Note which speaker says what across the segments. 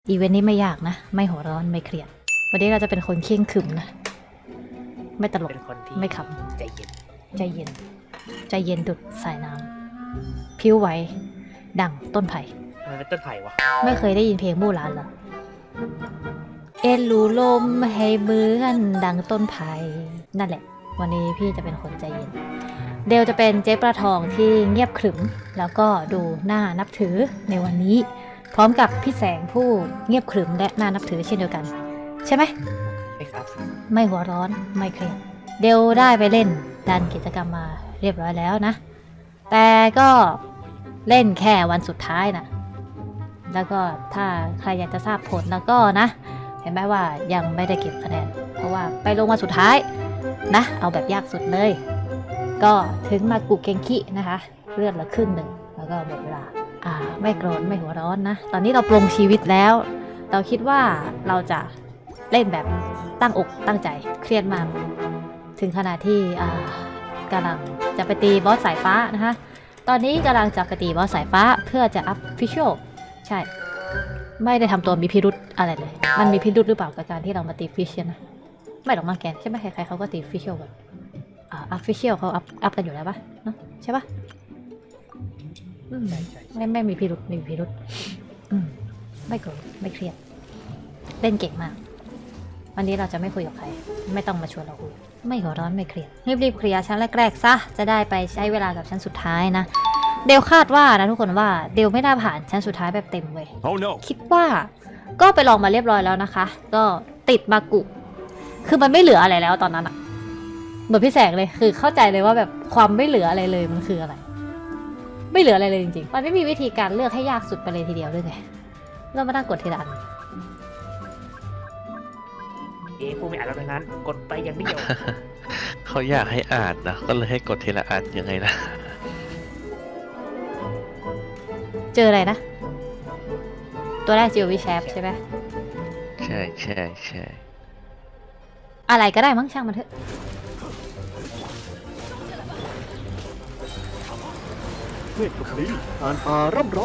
Speaker 1: อีเวนต์นี้ไม่ยากนะ ไม่หัวร้อนไม่เครียดวันนี้เราจะเป็นคนเข่งขรึมนะไม่ตลก
Speaker 2: เป็นคนที่
Speaker 1: ไม่ข
Speaker 2: ใจเย็น
Speaker 1: ำใจเย็นใจเย็นดุดสายน้ำผิวไหวดังต้นไผ่
Speaker 2: มันเป็นต้นไผ่วะ
Speaker 1: ไม่เคยได้ยินเพลงมู่หลานเหรอเอ็นรูลมให้เหมือนดังต้นไผ่นั่นแหละ วันนี้พี่จะเป็นคนใจเย็น เดลจะเป็นเจ๊ปลาทองที่เงียบขรึมแล้วก็ดูน่านับถือในวันนี้ พร้อมกับพี่แสงผู้เงียบขรึมและน่านับถือเช่นเดียวกัน ใช่ไหม
Speaker 2: ใช่ครับ
Speaker 1: ไม่หัวร้อนไม่เครียดเดลได้ไปเล่นดันกิจกรรมมาเรียบร้อยแล้วนะ แต่ก็เล่นแค่วันสุดท้ายนะแล้วก็ถ้าใครอยากจะทราบผลแล้วก็นะ เห็นไหมว่ายังไม่ได้เก็บคะแนนเพราะว่าไปลงวันสุดท้ายนะเอาแบบยากสุดเลย ก็ถึงมากุเกงคินะคะเลือดละครึ่งหนึ่งแล้วก็หมดเวลาไม่โกรธไม่หัวร้อนนะตอนนี้เราปลงชีวิตแล้ว เราคิดว่าเราจะเล่นแบบตั้งอกตั้งใจเครียดมากถึงขนาดที่กำลังจะไปตีบอสสายฟ้านะคะตอนนี้กำลังจะไปตีบอสสายฟ้าเพื่อจะอัพฟิชเชลใช่ไม่ได้ทำตัวมีพิรุธอะไรเลยมันมีพิรุธหรือเปล่ากับการที่เรามาตีฟิชเชลนะไม่หรอกมาแกนใช่ไหมใครๆเขาก็ตีฟิชเชลแบบอัพฟิชเชลเขาอัพกันอยู่แล้วปะเนาะใช่ปะไม่มีพิรุธไม่มีพิรุธไม่โกรธไม่เครียดเล่นเก่งมากวันนี้เราจะไม่คุยกับใครไม่ต้องมาชวนเราคุยไม่หัวร้อนไม่เครียดรีบๆเคลียร์ชั้นแรกๆซะจะได้ไปใช้เวลากับชั้นสุดท้ายนะเดลคาดว่านะทุกคนว่าเดลไม่น่าผ่านชั้นสุดท้ายแบบเต็มเว้ย
Speaker 3: Oh no
Speaker 1: คิดว่าก็ไปลองมาเรียบร้อยแล้วนะคะ ก็ติดมากุคือมันไม่เหลืออะไรแล้วตอนนั้นอะเหมือนพี่แสงเลยคือเข้าใจเลยว่าแบบความไม่เหลืออะไรเลยมันคืออะไรไม่เหลืออะไรเลยจริงๆมันไม่มีวิธีการเลือกให้ยากสุดไปเลยทีเดียวด้วยไงเรามานั่งกดทีละอัน
Speaker 2: ผู้ไม่อ่านแล้วทั้งนั้น กดไปอย่างเดียว
Speaker 4: เขาอยากให้อ่านนะก็เลยให้กดทีละอันยังไงนะ
Speaker 1: เจออะไรนะ ตัวแรกเจอวิแชปใช่ไหม
Speaker 4: ใช่ใช่ใช่
Speaker 1: อะไรก็ได้มั้งช่างมันเถอะ
Speaker 3: เวทกับลิ้นอ่านป่าร่ำร้อง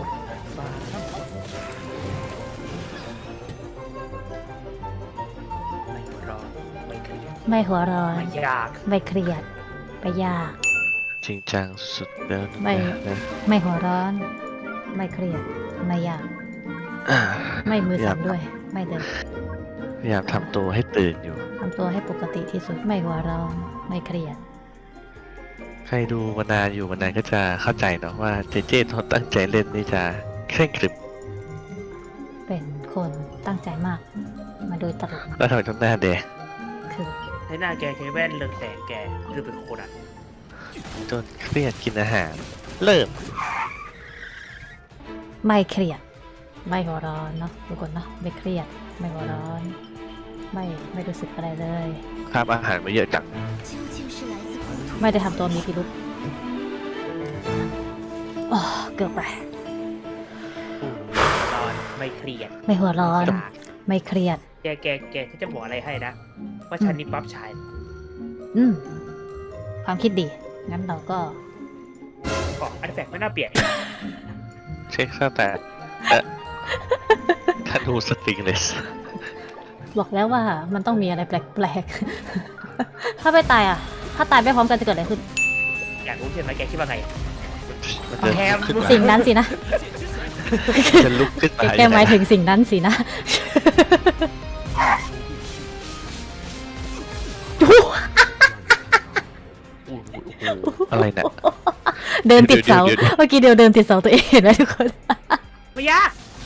Speaker 2: ไม่รอไม่เครียด
Speaker 1: ไม่หัวร้อน
Speaker 2: ไม่ยาก
Speaker 1: ไม่เครียดไม่ยาก
Speaker 4: จริงจังสุดแล้วนะ
Speaker 1: ไม่
Speaker 4: นะ
Speaker 1: ไม่หัวร้อน ไม่เครียดไม่ยาก
Speaker 4: อ่า
Speaker 1: ไม่มือสั่นด้วย ไม่เดิน
Speaker 4: พยายามทำตัวให้ตื่นอยู่
Speaker 1: ทำตัวให้ปกติที่สุดไม่หัวร้อนไม่เครียด
Speaker 4: ใครดูมานานอยู่มานานก็จะเข้าใจเนาะว่าเจเจเขาตั้งใจเล่นนี่จะเคร่งครึม
Speaker 1: เป็นคนตั้งใจมาก มาโดยตลอด
Speaker 4: แล้วทำไมต้องหน้าแดง
Speaker 1: คือ
Speaker 2: ให้หน้าแกใช้แว่นเรืองแสงแกคือเป็นโคนัน
Speaker 4: จนเครียดกินอาหาร เริ่ม
Speaker 1: ไม่เครียด ไม่หัวร้อนเนาะทุกคนเนาะไม่เครียด ไม่หัวร้อน ไม่รู้สึกอะไรเลย
Speaker 4: คาบอาหารมาเยอะจัง
Speaker 1: ไม่ได้ทำตัวมีพิรุษโอ้เกือบไป
Speaker 2: นอนไม่เครียด
Speaker 1: ไม่หัวร้อน
Speaker 2: ยาก
Speaker 1: ไม่เครียด
Speaker 2: แกฉันจะบอกอะไรให้นะ ว่าฉันนี่ปั๊บชาย
Speaker 1: ความคิดดี งั้นเราก็
Speaker 2: ก็อันแฝกไม่น่าเปลี่ยน
Speaker 4: เช็คซะแต่ถ้าดูสตริงเลส
Speaker 1: บอกแล้วว่ามันต้องมีอะไรแปลกๆ ถ้าไม่ตายอ่ะ ถ้าตายไม่พร้อมกันจะเกิดอะไรขึ้น
Speaker 2: อยากรู้ใช่ไหมแกคิดว่าไง
Speaker 4: มันจะ
Speaker 2: แถม
Speaker 4: ลุกขึ้นมา
Speaker 1: สิ่งนั้นสินะ
Speaker 4: จะลุกขึ้นมา
Speaker 1: แกหมายถึงสิ่งนั้นสินะ
Speaker 4: อะไรเนี่ย
Speaker 1: เดินติดเสา
Speaker 4: เดี๋ยว
Speaker 1: เมื่อกี้เดินติดเสาตัวเองเห็นไหมทุกคน
Speaker 2: ไม่ยาก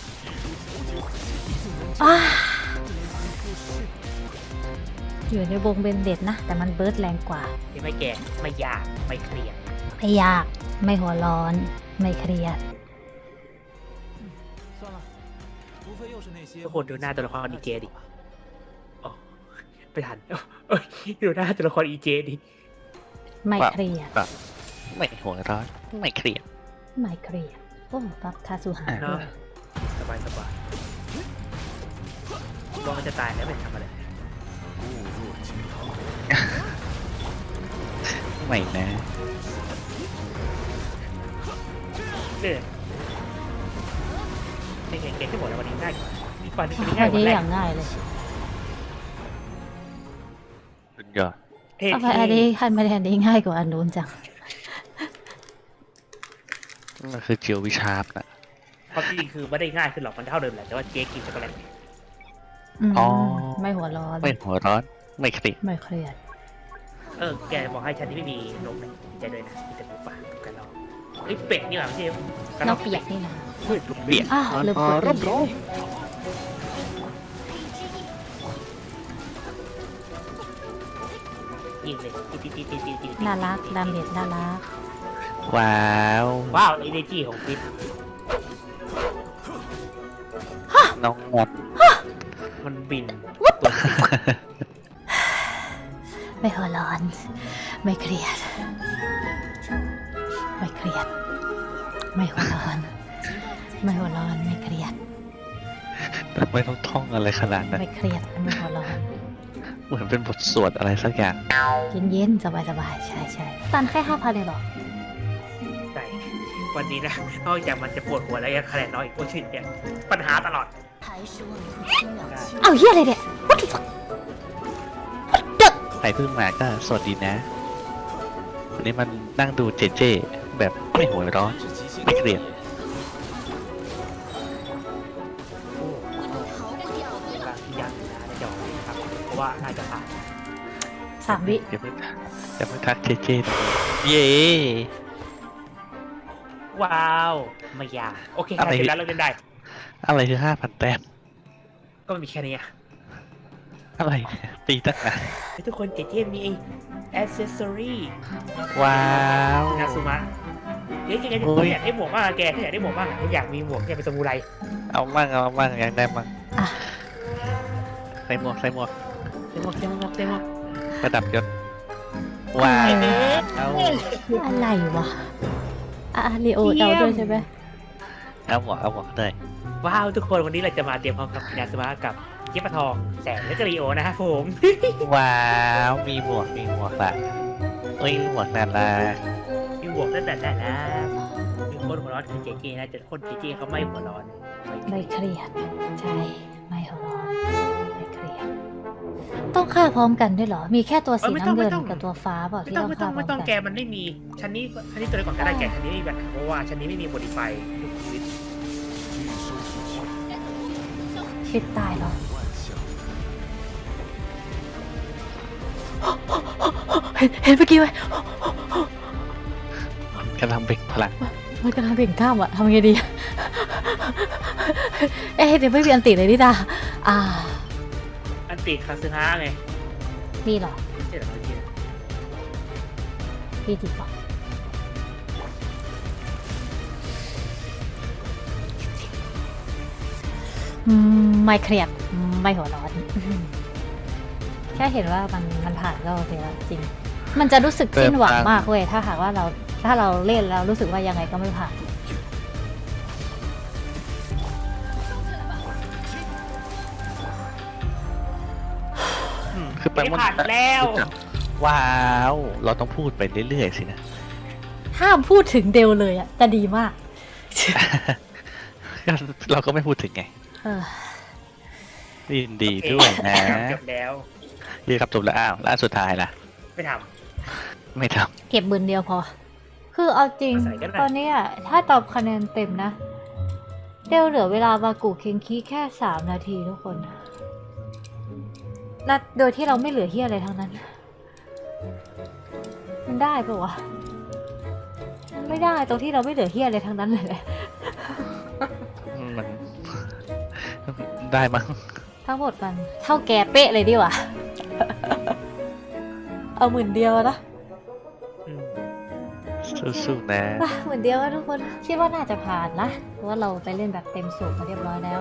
Speaker 1: อยู่ในวงเบนเด็ดนะ แต่มันเบิร์ดแรงกว่า
Speaker 2: ใช่ไหมแกไม่ยากไม่เครียด
Speaker 1: ไม่ยาก ไม่หัวร้อน ไม่เครียด
Speaker 2: ทุกคนดูหน้าตัวละครดีเจดิอ๋อไม่ทันเอ้ยดูหน้าตัวละครอีเจดิ
Speaker 1: ไม่เครียด
Speaker 4: ไม่หัวร้อนไม่เครียด
Speaker 1: ไม่เครียด โอ้ปั๊บคาสุหา
Speaker 2: เนาะ
Speaker 1: ด้วย
Speaker 2: สบายสบายรอมันจะตายแล้วเป็นทำอะไร
Speaker 4: ไม่นะ
Speaker 2: เนี่ย เก่งๆที่บอกแล้ววันนี้ง่ายกว่าวันนี้
Speaker 1: พ
Speaker 2: ง่า
Speaker 1: อย
Speaker 2: วัน
Speaker 1: ดี
Speaker 2: แร
Speaker 1: อก ย่างง่ายเลย
Speaker 4: สุดยอด
Speaker 2: เท่
Speaker 1: ทำไมอันนี้ขั้นไม่แทนนี้ง่ายกว่าอันนู้นจัง
Speaker 4: มันคือเจียววิชาร์ปนะ
Speaker 2: ความจริงคือไม่ได้ง่ายขึ้นหรอกมันเท่าเดิมแหละแต่ว่าเจ๊กินช็อกโกแลต
Speaker 4: อ๋อ
Speaker 1: ไม่หัวร้อน
Speaker 4: ไม่หัวร้อนไม่เครียด
Speaker 1: ไม่เครียด
Speaker 2: แกบอกให้ฉันที่ไม่มีนกนะดีใจด้วยนะมีแต่หมูป่ากับกระรอกเฮ้ยเป็ดนี่หว่าไม่ใช่กระร
Speaker 1: น
Speaker 2: อก
Speaker 1: กเปียกนี่นะ
Speaker 3: เวทกับ
Speaker 4: เปียก
Speaker 1: อ้าว
Speaker 3: อ่าน
Speaker 1: ลืม
Speaker 3: อาก
Speaker 1: ด
Speaker 3: ร่ำร้อง
Speaker 2: ยิงเลยตี
Speaker 1: น่ารักดาเมจน่ารัก
Speaker 4: ว้าว
Speaker 2: ว้าวเอเนจีของฟิต
Speaker 4: น้องงด
Speaker 2: มันบิน
Speaker 1: ไม่หัวร้อน ไม่เครียด ไม่เครียด ไม่หัวร้อน ไม่หัวร้อน ไม่เครียด
Speaker 4: ไม่ต้องท่องอะไรขนาดนั้น
Speaker 1: ไม่เครียด ไม่หัวร้อน
Speaker 4: เหมือนเป็นบทสวดอะไรสักอย่าง
Speaker 1: เย็นๆ สบายๆ ใช่ๆตันแค่5,000เลยเหรอ
Speaker 2: ใช่วันนี้นะนอกจากมันจะปวดหัวแล้วยังคะแนนน้อยอีกโอ้ชิเนี่ยปัญหาตลอด
Speaker 1: เอาเฮียอะไรเนี่ย What the fuck
Speaker 4: ใครเพิ่งมาก็สวัสดีนะ วันนี้มันนั่งดูเจเจแบบไม่หัวร้อน ไม่เครียด
Speaker 2: ยังนะในจอนะครับเพราะว่าน่าจะผ่าน
Speaker 1: 3 วิ
Speaker 4: อย่าเพิ่งทักเจเจนะเย้
Speaker 2: ว้าวไม่ยากโอเคค่ะเสร็จแล้วเราเล่นได้
Speaker 4: อะไรคือ5,000 แต้ม
Speaker 2: ก็มีแค่นี้อะ
Speaker 4: อะไรตีตั้งนาน
Speaker 2: เฮ้ยทุกคนเจ๊มีไอ้ accessory
Speaker 4: ว้าว
Speaker 2: นาซูมะเจ๊แก
Speaker 4: โอ้ย
Speaker 2: อยากได้หมวกมากอะแกถ้าอยากได้หมวกมากอะถ้าอยากมีหมวกเนี่ยเป็นสมุไร
Speaker 4: เอามั่งอยากได้มั่ง
Speaker 1: อ่ะ
Speaker 4: ใส่หมวก
Speaker 2: เต็มหมวก
Speaker 4: ประดับยศว้าวเอา
Speaker 1: อะไรวะ ลีโอเอาด้วยใช่ไหม
Speaker 4: เอาหมวกเลย
Speaker 2: ว้าวทุกคนวันนี้เราจะมาเตรียมพร้อมกับนาซูมะกับเจ๊ปะทองแสงและกรีโอนะครับผม
Speaker 4: ว้าวมีหมวกละเอ้ยหมวกนั่นละ
Speaker 2: มีหมวกนั่นแหละนะมีคนหัวร้อนคือเจ๊นะแต่คนเจ๊เขาไม่หัวร้อน
Speaker 1: ไม่เครียด ใช่ ไม่หัวร้อน ไม่เครียด ต้องฆ่าพร้อมกันด้วยเหรอ มีแค่ตัวสีน้ำเงินกับตัวฟ้าเปล่า
Speaker 2: ไม่
Speaker 1: ที่
Speaker 2: ต้อง
Speaker 1: ต้อง
Speaker 2: ไม่
Speaker 1: ฆ่า
Speaker 2: ต้อง
Speaker 1: พร้อม
Speaker 2: แก
Speaker 1: กัน
Speaker 2: มันไม่มีชั้นนี้ตัวไหนก่อนก็ได้แกชั้นนี้ไม่มีปัญหาเพราะว่าชั้นนี้ไม่มีโมดิฟายทุกชีวิต
Speaker 1: คิดตายเหรอ เห็นเมื่อกี้ไหม
Speaker 4: กำลังเบ่งพลัง
Speaker 1: มันกำลังเบ่งกล้ามอะทำไงดี เอ๊ะเดี๋ยวไม่มีอันติเลยนี่ดา
Speaker 2: อันติคาซึฮะไง
Speaker 1: มีเหรอ
Speaker 2: ไม่ใช่เหรอเมื่อกี้
Speaker 1: มีจริงปะไม่เครียด ไม่หัวร้อน แค่เห็นว่ามันผ่านก็โอเคแล้วจริง มันจะรู้สึกสิ้นหวังมากเว้ยถ้าหากว่าถ้าเราเล่นแล้วรู้สึกว่ายังไงก็ไม่ผ่าน
Speaker 4: คือแปล
Speaker 2: ไม่
Speaker 4: ว่า
Speaker 2: ผ่านแล้ว
Speaker 4: ว้าว เราต้องพูดไปเรื่อยๆสินะ
Speaker 1: ห้ามพูดถึงเดลเลยอะจะดีมาก
Speaker 4: เราก็ไม่พูดถึงไง
Speaker 1: เออ
Speaker 4: ยินดีด้วยนะ
Speaker 2: จบแล้ว
Speaker 4: ยืนครับจบแล้วอ้าวแล้วอันสุดท้ายล่ะ
Speaker 2: ไม่ท
Speaker 4: ไม่ท
Speaker 1: เก็บบืนเดียวพอ คือเอาจริง
Speaker 2: ใส่ก็ได้
Speaker 1: ตอนนี้อะถ้าตอบคะแนนเต็มนะ เดลเหลือเวลามากูเคนคีแค่3 นาทีทุกคนและโดยที่เราไม่เหลือเฮียอะไรทั้งนั้น มันได้ปะวะมันไม่ได้ตรงที่เราไม่เหลือเฮียอะไรทั้งนั้นเลย
Speaker 4: มัน ได้มั้ง
Speaker 1: ทั้งหมดมันเท่าแกเป๊ะเลยดีกว่า เอา10,000 เดียวนะ
Speaker 2: ำอืม
Speaker 4: สู้ๆนะ
Speaker 1: 10,000 เดียวนะทุกคนคิดว่าน่าจะผ่านนะเพราะว่าเราไปเล่นแบบเต็มสูบมาเรียบร้อยแล้ว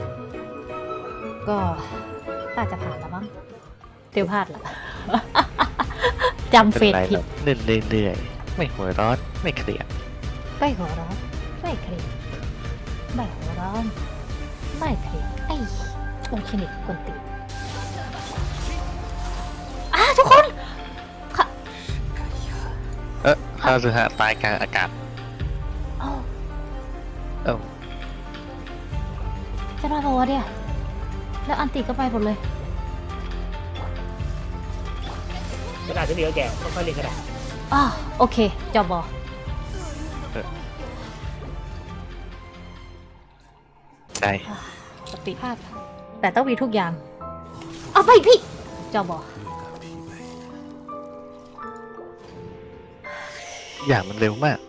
Speaker 1: ก็น่าจะผ่านแล้วมั้งเตียวพลาดละ จำเฟ
Speaker 4: เป็น
Speaker 1: ด
Speaker 4: ไร
Speaker 1: ผิ
Speaker 4: หร
Speaker 1: ด
Speaker 4: อกเล่นเรื่อยๆไม่หัวร้อนไม่เครียด
Speaker 1: ไม่หัวร้อนไม่เครียดไม่หัวร้อนไม่เครียดไอ้โอเคนิดกวนตีนทุกคนค่ะ
Speaker 4: ข้าสึฮะตายกลางอากาศ
Speaker 1: เอ้า
Speaker 4: เอ้า
Speaker 1: จะมาบอกว่าเนี่ยแล้วอันติก็ไปหมดเลย
Speaker 2: ขนาดที่เหลือแกค่อยๆเล่นก็ได้
Speaker 1: อ๋อโอเคจอบอ
Speaker 4: ใช่
Speaker 1: สติภาพ แต่ต้องมีทุกอย่าง เอาไปพี่จอบอ
Speaker 4: อย่างมันเร็วมาก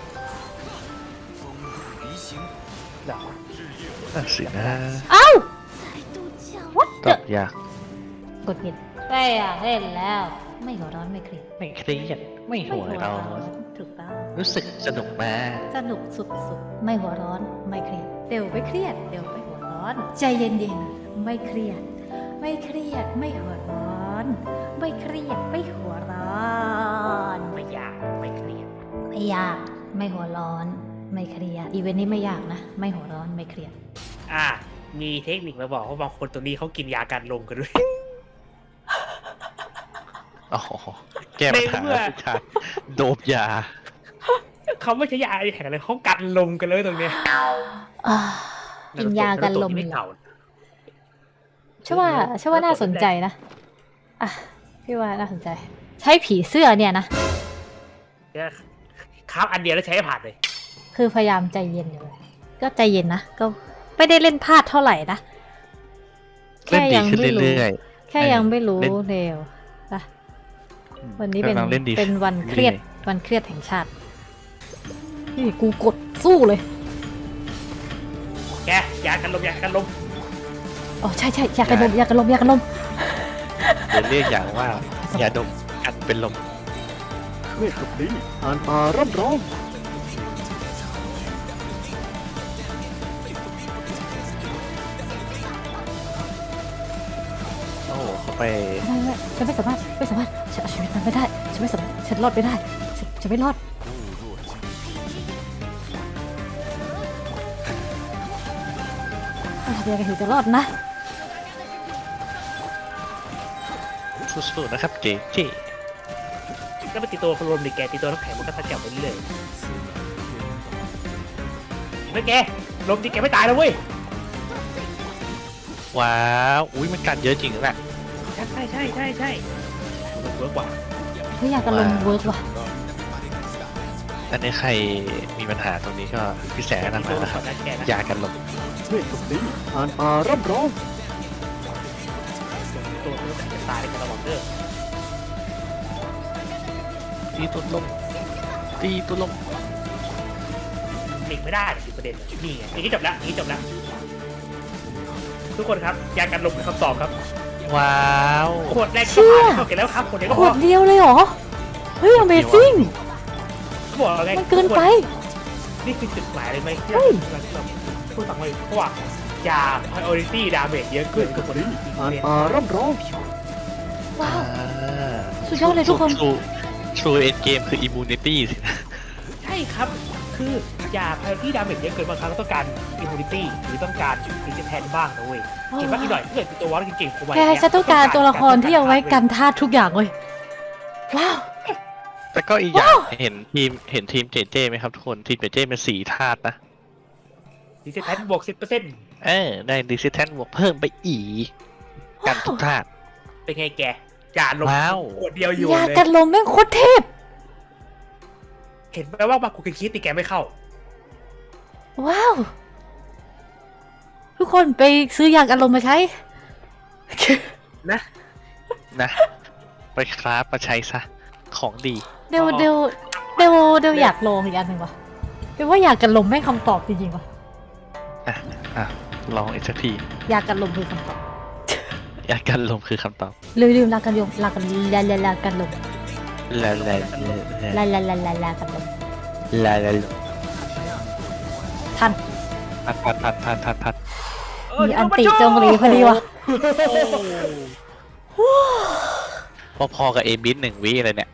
Speaker 2: เหรอ
Speaker 4: น่าสินะ
Speaker 1: เอ้า What
Speaker 4: ต
Speaker 1: the
Speaker 4: อบยาก
Speaker 1: กดผิดไม่อยากเล่นแล้ว ไม่หัวร้อนไม่เครียด
Speaker 4: ไม่เครียดไม่หัวร้อน
Speaker 1: ถูกต้อง
Speaker 4: รู้สึกสนุกมาก
Speaker 1: สนุกสุดๆ ไม่หัวร้อนไม่เครียดเดี๋ยวไม่เครียดเดี๋ยวไม่หัวร้อน ใจเย็นๆ ไม่เครียด ไม่เครียดไม่หัวร้อน ไม่เครียดไม่หัวร้อน
Speaker 2: ไม่ยากไม่เครียด
Speaker 1: ไม่ยากไม่หัวร้อน ไม่เครียดอีเวนต์นี้ไม่ยากนะ ไม่หัวร้อนไม่เครียด
Speaker 2: มีเทคนิคมาบอกว่าบางคนตัวนี้เขากินยากันลมกันด้วย
Speaker 4: อ๋อแก้ปัญหา
Speaker 2: ในเมื่อ
Speaker 4: ทุกชาติโดบยา
Speaker 2: เขาไม่ใช่ยาแข่งอะไรเขากันลมกันเลยตรงเนี้ย
Speaker 1: อ่ากินยากันลม
Speaker 2: ที่ไม่เก่า
Speaker 1: เชื่อว่าน่าสนใจนะอ่ะพี่ว่าน่าสนใจ ใช้ผีเสื้อเนี่ยนะ
Speaker 2: เนี่ยครับอันเดียวแล้วใช้ให้ผ่านเลย
Speaker 1: คือพยายามใจเย็นอยู่เลยก็ใจเย็นนะก็ไม่ได้เล่นพลาดเท่าไหร่นะ
Speaker 4: เล่นดีขึ้น
Speaker 1: ไม่รู้
Speaker 4: เรื่อย
Speaker 1: แค่ยังไม่รู้
Speaker 4: เล่น
Speaker 1: เร็วนะวันนี้เป็น
Speaker 4: กำลังเล่นดี
Speaker 1: เป็นวันเครียด
Speaker 4: เรื่อย
Speaker 1: วันเครียดแห่งชาตินี่กูกดสู้เลย
Speaker 2: แกยากันลมยากันลม
Speaker 1: อ๋อใช่อยากกระลมอยากกระลมอยากกระลม
Speaker 4: ๆเดี๋ยวเรียกอย่างว่ายาดมอันเป็นลม
Speaker 3: เวทกับลิ้นอ่านป่าร่ำร้อง
Speaker 4: โอ้โหเข้าไป
Speaker 1: ไม่ฉันไม่สามารถฉันเอาชีวิตมันไม่ได้ฉันไม่สามารถฉันรอดไม่ได้ฉันไม่รอดทำยังไงถึงจะรอดนะ
Speaker 4: สู้ๆนะครับเจเจ
Speaker 2: แล้วไปตีตัวคนรวมดิแกตีตัวน้ำแข็งมันก็ทัดแกไปเรื่อยไม่แกลมดิแกไม่ตายแล้วเว้ย
Speaker 4: ว้าวอุ้ยมันกันเยอะจริงแหละ
Speaker 2: ใช่เวิร์กกว่า
Speaker 1: เฮ้ยอยากกระลมเวิร์กว่ะ
Speaker 4: อันนี้ใครมีปัญหาตรงนี้ก็พี่แสงนำมานะครับ
Speaker 2: แกนะ
Speaker 4: ยากันลม
Speaker 3: เวทกับลิ้นอ่านป่าร่ำร้อง
Speaker 2: ตัวมันจะตายในกระบอกเด้อ
Speaker 4: ตีตัวลมตีตัวลม
Speaker 2: หลีกไม่ได้คือประเด็นนี่ไงอย่างนี้จบแล้วทุกคนครับยากันลมเป็นคำตอบครับ
Speaker 4: ว้าว
Speaker 2: ขวดแรกก็ผ่านเข้าเก็บแล้วครับขวดเดียวก็
Speaker 1: ข
Speaker 2: พ
Speaker 1: ว
Speaker 2: อ
Speaker 1: ดเดียวเลยเหรอเฮ้ย Amazing
Speaker 2: เขาบอกไง
Speaker 1: มันเกินไป
Speaker 2: นี่คือจุดหมายเลยไหมที่
Speaker 1: เฮ้ย
Speaker 2: เราพูดต่างไปเพราะว่ายา priority damage เยอะ
Speaker 3: เว
Speaker 2: ขึ้น
Speaker 3: ท
Speaker 2: กั
Speaker 3: กั
Speaker 2: บบ คน
Speaker 3: ลิ้น
Speaker 2: ที่
Speaker 3: อ่านป่าร่ำร้อง
Speaker 1: ว้าว
Speaker 4: อ่า
Speaker 1: สุดยอดเลยทุกคน
Speaker 4: True End Game คือ Immunity สินะ
Speaker 2: ใช่ครับ คือยา priority damage เยอะเกินบางครั้งต้องการ immunity หรือต้องการ resistance บ้างนะเว้ยเก่งมากอีกหน่อยถ้าเกิดเป็นตัววอลเก่งๆผมว่า
Speaker 1: แค่ฉันต้องการตัวละครที่เอาไว้กันธาตุทุกอย่างเลยว้าว
Speaker 4: แต่ก็อีกอย่างเห็นทีมเจเจไหมครับทุกคนทีมเจเจเป็น4ธาตุนะ
Speaker 2: resistance บวก 10%
Speaker 4: ได้ Resistance บวกเพิ่มไปอีก กันทุกธาตุ
Speaker 2: เป็นไงแกยาลม
Speaker 4: ว้าว
Speaker 2: ขวดเดียวอยู่
Speaker 1: ยา
Speaker 2: เลย
Speaker 1: กันลมแม่งโคตรเทพ
Speaker 2: เห็นไหมว่าบางคนคิดตีแกไม่เข้า
Speaker 1: ว้าว ทุกคนไปซื้อยากันลมมาใช้
Speaker 2: นะ
Speaker 4: นะ ไปคราฟมาใช้ซะ ของดี
Speaker 1: เดี๋ยวอยากลองอีกอันหนึ่งว่ะเดี๋ยวว่าอยากกันลมแม่งคำตอบจริงๆว่ะ
Speaker 4: อ่ะ ลองอีกสักที
Speaker 1: อยากกันลมคือคำตอบ
Speaker 4: ยากันลมคือคำตอบ
Speaker 1: ลืมลากันลมลากันลากันลม
Speaker 4: ลาลา
Speaker 1: ลากันลม
Speaker 4: ลาลา
Speaker 1: ทัน
Speaker 4: พัด
Speaker 1: มีอันติจงรีพอดีว่ะ
Speaker 4: พอๆกับเอบิส1 วิเลยเนี่ย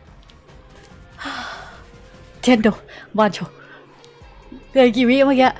Speaker 1: เทนโดบานโชเกินกี่วิเมื่อกี้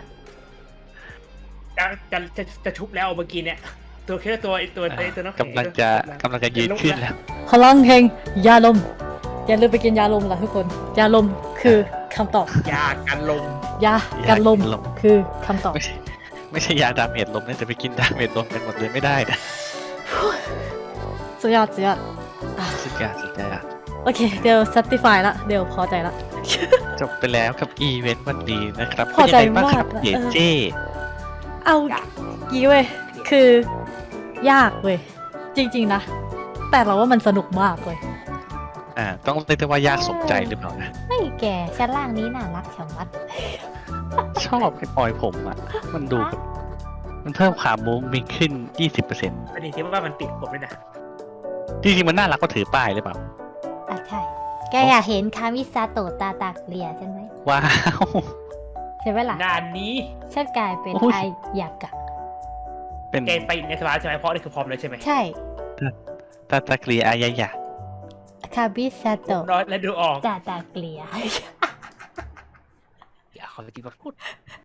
Speaker 2: จะชุบแล้วเมื่อกี้เนี่ยตัวแค่ตัวน้ำแข็ง
Speaker 4: กำลังจะยืนขึ้นแล้ว
Speaker 1: พลังแห่งยาลมอย่าลืมไปกินยาลมล่ะทุกคนยาลมคือคำตอบ
Speaker 2: ยากันลม
Speaker 1: ยากันลมคือคำตอบ
Speaker 4: ไม่ใช่ยาดาเมจลมนะจะไปกินดาเมจลมกันหมดเลยไม่ได้นะ
Speaker 1: สุดยอดสุดยอด
Speaker 4: สุดยอดสุดยอด
Speaker 1: โอเค เดี๋ยว satisfy ละเดี๋ยวพอใจละ
Speaker 4: จบไปแล้วกับอีเวนต์วันนี้นะครับ
Speaker 1: พอใจ
Speaker 4: เป็นยังไงบ้างครับ
Speaker 1: มาก
Speaker 4: เจเจ
Speaker 1: เอางี้เว้ย คือ ยากเว้ย จริงๆนะ แต่เราว่ามันสนุกมากเว้ย
Speaker 4: ต้องเรียกได้ว่ายากสมใจหรือเปล่านะ
Speaker 1: ไม่แกชั้นล่างนี้น่ารักชะมัด
Speaker 4: ชอบไอ้ปอยผมอ่ะ มันดูแบบมันเพิ่มความมุ้งมิ้งขึ้น 20%
Speaker 2: อันนี้ที่ว่ามันติดผมด้วยนะ
Speaker 4: จริงๆมันน่ารักก็ถือป้ายหรือเปล่า
Speaker 1: อ่ะใช่ แกอยากเห็นคามิซาโตะตาตากเลียใช่ไหม
Speaker 4: ว้าว
Speaker 1: ใช่ไหมล่ะ
Speaker 2: งานนี้
Speaker 1: ฉันกลายเป็น
Speaker 4: โอ้ย
Speaker 1: ไอยากะ
Speaker 4: เป็น
Speaker 2: แกไปในสภาใช่ไหมเพราะนี่คือพร้อมเลยใช่ไหม
Speaker 1: ใช่
Speaker 4: ตาตาเกลียอายายา
Speaker 1: คามิซาโตะ
Speaker 2: น้อยและดูออก
Speaker 1: ตาตากเลีย
Speaker 2: อย่าขอจริงมาพูด